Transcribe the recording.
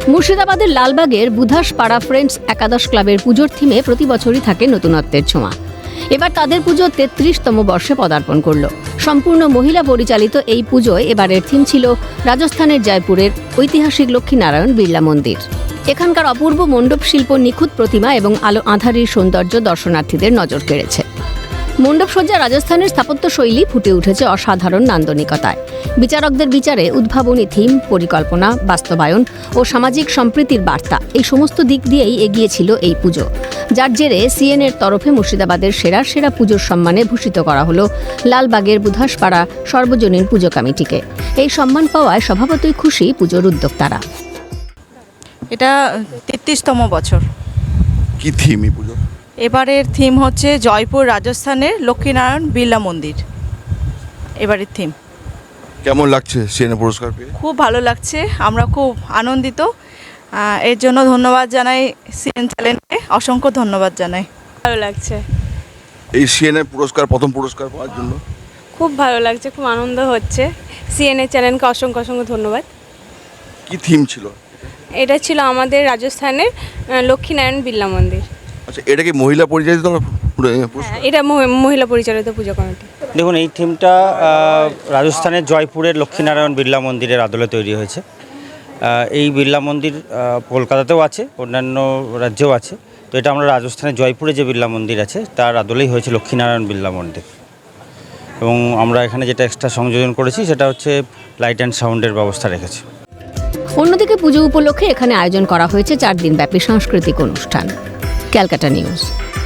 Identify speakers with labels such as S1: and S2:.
S1: মুর্শিদাবাদের লালবাগের বুধাসপাড়া ফ্রেন্ডস একাদশ ক্লাবের পুজোর থিমে প্রতি বছরই থাকে নতুনত্বের ছোঁয়া। এবার তাদের পুজো ৩৩তম বর্ষে পদার্পণ করল। সম্পূর্ণ মহিলা পরিচালিত এই পুজোয় এবারের থিম ছিল রাজস্থানের জয়পুরের ঐতিহাসিক লক্ষ্মীনারায়ণ বিড়লা মন্দির। এখানকার অপূর্ব মণ্ডপ শিল্প, নিখুঁত প্রতিমা এবং আলো আঁধারির সৌন্দর্য দর্শনার্থীদের নজর কেড়েছে। মণ্ডপসজ্জা রাজস্থানের স্থাপত্য শৈলী ফুটে উঠেছে অসাধারণ নান্দনিকতায়। বিচারকদের বিচারে উদ্ভাবনী থিম, পরিকল্পনা, বাস্তবায়ন ও সামাজিক সম্প্রীতির বার্তা, এই সমস্ত দিক দিয়েই এগিয়েছিল এই পুজো, যার জেরে সিএনএর তরফে মুর্শিদাবাদের সেরা পুজোর সম্মানে ভূষিত করা হলো লালবাগের বুধাসপাড়া সর্বজনীন পুজো কমিটিকে। এই সম্মান পাওয়ায় স্বভাবতই খুশি পুজোর উদ্যোক্তারা।
S2: এটা ৩৩তম বছর।
S3: কি থিম এই পুজো?
S2: এবারের থিম হচ্ছে জয়পুর রাজস্থানের লক্ষ্মীনারায়ণ বিড়লা মন্দির। এবারের থিম
S3: কেমন লাগছে সিএনএ পুরস্কার পেয়ে?
S2: খুব ভালো লাগছে, আমরা খুব আনন্দিত। এর জন্য ধন্যবাদ জানাই সিএন চ্যানেলকে, অসংখ্য ধন্যবাদ জানাই।
S4: ভালো লাগছে,
S3: এই সিএনএ পুরস্কার, প্রথম পুরস্কার পাওয়ার জন্য
S4: খুব ভালো লাগছে, খুব আনন্দ হচ্ছে। সিএনএ চ্যানেলকে অসংখ্য ধন্যবাদ।
S3: কি থিম ছিল?
S4: এটা ছিল আমাদের রাজস্থানের লক্ষ্মীনারায়ণ বিড়লা মন্দির।
S3: আচ্ছা, এটা কি মহিলা পরিচালিত পুরস্কার?
S4: এটা মহিলা পরিচালিত পুজো কমিটি।
S5: দেখুন, এই থিমটা রাজস্থানের জয়পুরের লক্ষ্মীনারায়ণ বিড়লা মন্দিরের আদলে তৈরি হয়েছে। এই বিড়লা মন্দির কলকাতাতেও আছে, অন্যান্য রাজ্যেও আছে। তো এটা আমরা রাজস্থানের জয়পুরে যে বিড়লা মন্দির আছে তার আদলেই হয়েছে লক্ষ্মীনারায়ণ বিড়লা মন্দির। এবং আমরা এখানে যেটা এক্সট্রা সংযোজন করেছি সেটা হচ্ছে লাইট অ্যান্ড সাউন্ডের ব্যবস্থা রেখেছি।
S1: অন্যদিকে পুজো উপলক্ষে এখানে আয়োজন করা হয়েছে 4 দিনব্যাপী সাংস্কৃতিক অনুষ্ঠান। ক্যালকাটা নিউজ।